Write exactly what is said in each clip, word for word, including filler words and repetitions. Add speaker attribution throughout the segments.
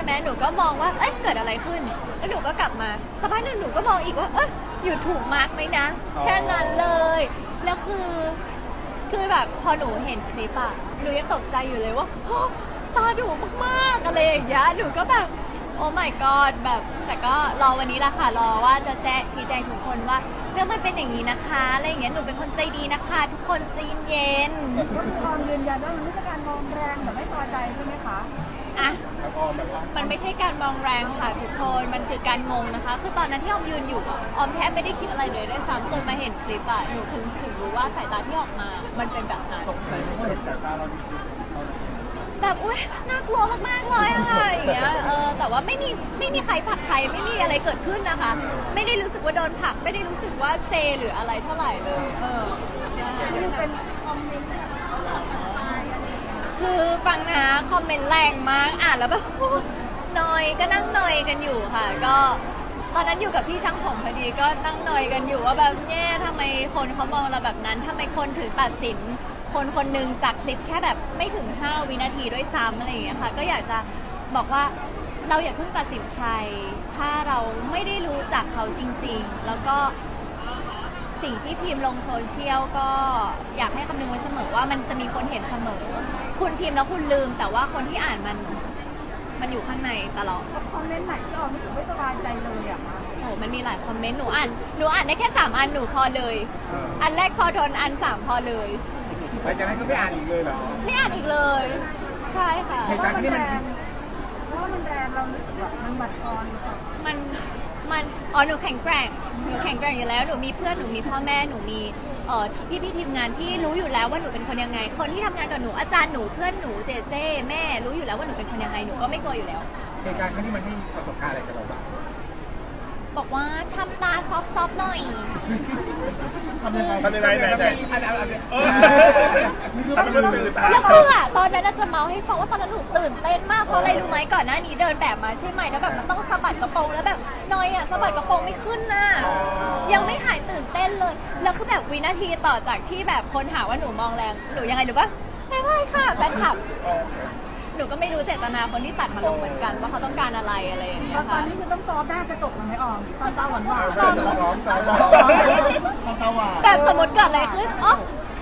Speaker 1: ไหมหนูก็มองว่าเอ๊ะเกิดอะไรขึ้นแล้วหนูก็กลับมาสักพักหนึ่งหนูก็มองอีกว่าเอ๊ะอยู่ถูกมาร์กไหมนะแค่นั้นเลยแล้วคือคือแบบพอหนูเห็นคลิปอะหนูยังตกใจอยู่เลยว่าโอ้ตาดุมากๆอะไรอย่างเงี้ยหนูก็แบบโอ้ my god แบบแต่ก็รอวันนี้ละค่ะรอว่าจะแจ้งชี้แจงทุกคนว่าเรื่องมันเป็นอย่างนี้นะคะอะไรอย่างเงี้ยหนูเป็นคนใจดีนะคะทุกคนใจเย็น
Speaker 2: ก็คือออมยืนยันว่ามันไม่ใช่การมองแรงหรือไม่พอใจใช่ไหมคะ
Speaker 1: อ่ะ
Speaker 3: แล้วก็แบบว่า
Speaker 1: มันไม่ใช่การมองแรงค่ะทุกคนมันคือการงงนะคะคือตอนนั้นที่ออมยืนอยู่อะออมแทบไม่ได้คิดอะไรเลยด้วยซ้ำจนมาเห็นคลิปอะหนูถึงถึงรู้ว่าสายตาที่ออกมามันเป็นแบบนั้น
Speaker 3: ตกใจเพราะว่าเห็นแต่ตาเราดีๆเรา
Speaker 1: แบบอุ้ยน่ากลัวมากๆเลยอะค่ะอย่างเงี้ยเออแต่ว่าไม่มีไม่มีใครผลักใครไม่มีอะไรเกิดขึ้นนะคะ ไม่ได้รู้สึกว่าโดนผลักไม่ได้รู้สึกว่าเซหรืออะไรเท่าไหร่เลยเออใช่
Speaker 2: นี่เป็นคอมเมนต์แบบเขาหลอกไปอะไรอย่างเงี้ย
Speaker 1: คือฟังนะคอมเมนต์แรงมากอ่านแล้วแบบ นอยก็นั่งนอยกันอยู่ค่ะ ก็ตอนนั้นอยู่กับพี่ช่างผมพอดีก็นั่งนอยกันอยู่ว่าแบบแย่ทำไมคนเขามองเราแบบนั้นทำไมคนถึงตัดสิน คนคนหนึ่งจากคลิปแค่แบบไม่ถึงห้าวินาทีด้วยซ้ำอะไรอย่างเงี้ยค่ะก็อยากจะบอกว่าเราอย่าเพิ่งตัดสินใคร ถ้าเราไม่ได้รู้จักเขาจริงๆ แล้วก็สิ่งที่พิมพ์ลงโซเชียลก็อยากให้คำนึงไว้เสมอว่ามันจะมีคนเห็นเสมอ คุณพิมพ์แล้วคุณลืม แต่ว่าคนที่อ่านมันมันอยู่ข้างในตลอด
Speaker 2: คอมเมนต์ไหนที่ออมรู้สึกไม่สบายใจเลยอะคะ
Speaker 1: โอ้มันมีหลายคอมเมนต์หนูอ่านหนูอ่านได้แค่สามอันหนูพอเลย
Speaker 3: เออ
Speaker 1: อันแรกพอทนอันสามพอเลย
Speaker 3: หลังจากนั้นก็ไม่อ่านอีกเลยเหรอ
Speaker 1: ไม่อ่านอีกเลย ใช่ค่ะ
Speaker 3: เหตุการณ์ที่มัน
Speaker 2: เพราะว่ามันแรงเรารู้สึกแบบมันบั่นทอนหรือเปล่า
Speaker 1: มัน มัน อ๋อ หนูแข็งแกร่ง หนูแข็งแกร่งอยู่แล้ว หนูมีเพื่อน หนูมีพ่อแม่ หนูมีเอ่อพี่พี่ๆทีมงานที่รู้อยู่แล้วว่าหนูเป็นคนยังไง คนที่ทำงานกับหนู อาจารย์หนู เพื่อนหนู เจเจ แม่ รู้อยู่แล้วว่าหนูเป็นคนยังไง หนูก็ไม่กลัวอยู่แล้ว
Speaker 3: เหตุการณ์ครั้งนี้มันให้ประสบการณ์อะไรกับเราบ้าง
Speaker 1: บอกว่าทำตาซอฟๆหน่อย
Speaker 3: ทำยังไงทำยังไงไหนไหนอันอันอันเออทำเป็นตื่นตา
Speaker 1: แล้วคืออะตอนนั้นน่ะจะเมาให้ฟังว่าตอนนั้นหนูตื่นเต้นมากเพราะอะไรรู้ไหมก่อนหน้านี้เดินแบบมาใช่ไหมแล้วแบบมันต้องสะบัดกระโปรงแล้วแบบนอยอะสะบัดกระโปรงไม่ขึ้นน่ะยังไม่หายตื่นเต้นเลยแล้วคือแบบวินาทีต่อจากที่แบบคนหาว่าหนูมองแรงหนูยังไงหรือว่าไม่ไม่ค่ะแฟนคลับหนูก็ไม่รู้เจตนาคนที่ตัดมาลงเหมือนกันว่าเขาต้องการอะไรอะไรอย่างเงี้
Speaker 2: ตอย นตอ
Speaker 1: ค่ะ
Speaker 2: นนี้คือต้องซอฟต์หน้ากระจกมันไม่ออมตอนตาหวานหวาน
Speaker 3: ตาหวานตาหวานตาหวาน
Speaker 1: แบบสมมติเกิดอะไรขึ้นอ๋อ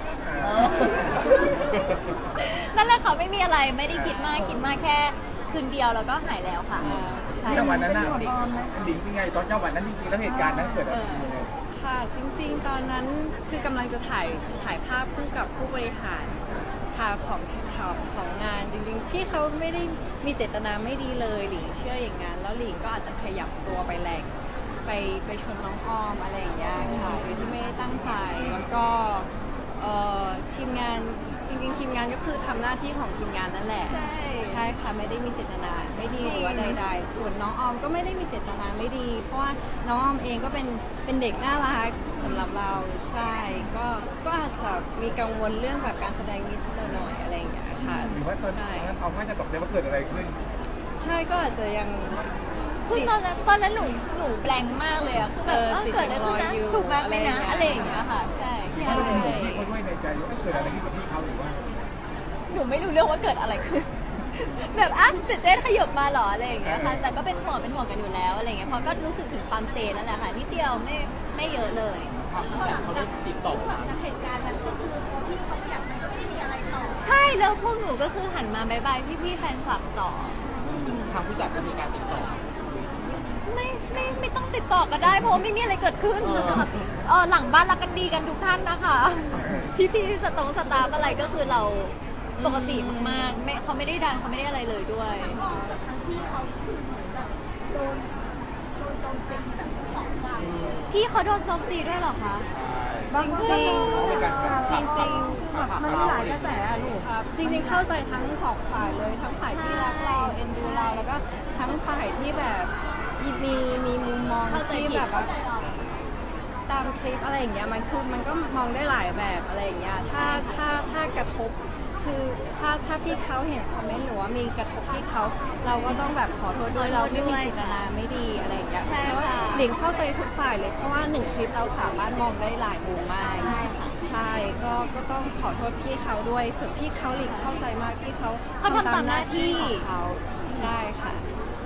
Speaker 1: นั่นแหละค่ะไม่มีอะไรไม่ได้คิดมากคิดมากแค่คืนเดียวแล้วก็หายแล้วค่ะใช่
Speaker 3: ที่จังหวัดนั้นน่ะดิ่งดิ่งเป็นไงตอนจังหวัดนั้นจริงๆแล้วเหตุการณ์นั้นเกิดอะไรขึ้นยังไง
Speaker 4: ค่ะจริงๆ ตอนนั้นคือกำลังจะถ่ายถ่ายภาพคู่กับผู้บริหารค่ะของของของงานจริงๆที่เขาไม่ได้มีเจตนาไม่ดีเลยหลิงเชื่ออย่างนั้นแล้วหลิงก็อาจจะขยับตัวไปแรงไปไปชนน้องออมอะไรอย่างเงี้ยค่ะโดยที่ไม่ได้ตั้งใจแล้วก็เอ่อทีมงานจริงๆ ทีมงานก็คือทำหน้าที่ของทีมงานนั่นแหละ
Speaker 1: ใช่
Speaker 4: ใช่ค่ะไม่ได้มีเจตนาไม่ดีหรือว่าใดๆ ส่วนน้องออมก็ไม่ได้มีเจตนาไม่ดี เพราะว่าน้องออมเองก็เป็นเป็นเด็กน่ารักสำหรับเราใช่ก็ก็อาจจะมีกังวลเรื่องแบบการแสดงนิดหน่อยๆอะไรอย่างเงี้ยค่ะ
Speaker 3: หรือว่าตอน
Speaker 4: ใช่
Speaker 3: นั้นเอาว่าจะตกใจว่าเกิดอะไรขึ้น
Speaker 4: ใช่ก็อาจจะยัง
Speaker 1: คือตอนนั้นตอนนั้นหนูหนูแบงค์มากเลยอะคือแบบ
Speaker 4: เออ
Speaker 1: เอ้า
Speaker 4: จิต
Speaker 1: เกิดอะไรขึ้นนะ
Speaker 4: ยังลอยอยู่
Speaker 1: ถูกมากไหมนะ
Speaker 4: อะ
Speaker 1: อะไร ไรอย่
Speaker 4: อา
Speaker 1: ย่าง ง
Speaker 4: เงี้
Speaker 1: เงี้
Speaker 4: ย
Speaker 1: ยค่ะ ใช่
Speaker 3: เพ
Speaker 1: ใช่
Speaker 3: ราะเราเป็นห่วงพี่เขาด้วยในใจว่าเกิดอะไรขึ้นกับพี่เขาหรือว่า
Speaker 1: หนูไม่รู้เรื่องว่าเกิดอะไรขึ้น แบบอ่ะเจ๊เจ๊ขยับมาเหรออะไรอย่างเงี้ยค่ะ แต่ก็เป็นห่วงเป็นห่วงกันอยู่แล้วอะไรอย่างเงี้ยเพราะก็รู้สึกถึงความเซนั่นแหละค่ะนิดเดียวไม่ไม่เยอะเลยเขาได้ติดต่อจากเหตุการณ์นั้นก็คือพี่เขาขยับมันก็ไม่ได้มีอะไรต่อใช่แล้วพวกหนูก็คือหันมาบายบายพี่ๆแฟนคลับต่อ
Speaker 5: ทางผู้จัดก็มีการติดต่อ
Speaker 1: ไม่ไม่ไม่ต้องติดต่อก็ได้เพราะว่าไม่มีอะไรเกิดขึ้นเออหลังบ้านรักกันดีกันทุกท่านนะคะ พี่พี่ๆสตงสตาฟอะไรก็คือเราปกติมากๆไม่เขาไม่ได้ดันเขาไม่ได้อะไรเลยด้วย
Speaker 2: ทั้งที่เขาคือเหมือนแบบโดนโดนโจมตีแบบสองฝั่ง
Speaker 1: พี่เขาโดนโจมตีด้วยเหรอคะ
Speaker 2: บางคนก็
Speaker 3: เป็นการ
Speaker 4: จริง
Speaker 2: แบบมันมีหลายกระแสอะลูก
Speaker 4: ๆครับจริงๆเข้าใจทั้งสองฝ่ายเลยทั้งฝ่ายที่รักเราเอ็นดูเราแล้วก็ทั้งฝ่ายที่แบบมีมีมุมมอง
Speaker 1: เข้าใจ
Speaker 4: ที่
Speaker 1: ผิด
Speaker 4: แบบว่า ตามคลิปอะไรอย่างเงี้ยมันคือมันก็มองได้หลายแบบอะไรอย่างเงี้ยถ้าถ้าถ้ากระทบคือถ้าถ้าพี่เขาเห็นคอมเมนต์หรือว่ามีกระทบพี่เขาเราก็ต้องแบบขอโทษด้วยเราไม่มีเจตนาไม่ดีอะไรอย่างเงี้ย
Speaker 1: ใช่
Speaker 4: เพราะว่า
Speaker 1: ค่ะ
Speaker 4: หลิงเข้าใจทุกฝ่ายเลยเพราะว่าหนึ่งคลิปเราสามารถมองได้หลายมุมมาก
Speaker 1: ใช่ค่ะ
Speaker 4: ใช่ก็ก็ต้องขอโทษพี่เขาด้วยส่วนพี่เขาหลิงเข้าใจมากที่เขา
Speaker 1: เขาทำตามหน้าที่
Speaker 4: ของเขาใช่ค่ะ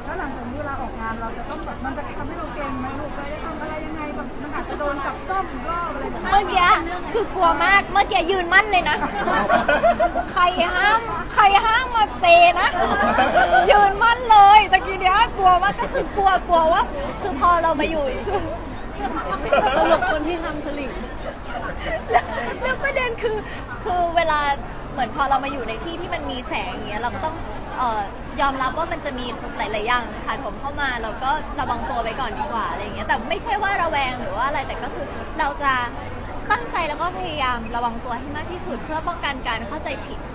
Speaker 1: มื่อกี้คือกลัวมากเมื่อกี้ยืนมั่นเลยนะ ใครห้ามใครห้ามมาเซนะ ยืนมั่นเลยตะกี้เนี้ยกลัวมากก็คือกลัวกลัวว่าคือพอเรามาอยู่
Speaker 4: สรุปคนที่ทำคือหลิง
Speaker 1: แล้วแล้วประเด็นคือคือเวลาเหมือนพอเรามาอยู่ในที่ที่มันมีแสงอย่างเงี้ยเราก็ต้องเอ่อยอมรับว่ามันจะมีหลาย ๆ อย่างผ่านผมเข้ามาเราก็ระวังตัวไว้ก่อนดีกว่าอะไรอย่างเงี้ยแต่ไม่ใช่ว่าระแวงหรือว่าอะไรแต่ก็คือเราจะตั้งใจแล้วก็พยายามระวังตัวให้มากที่สุดเพื่อป้องกันการเข้าใจผิด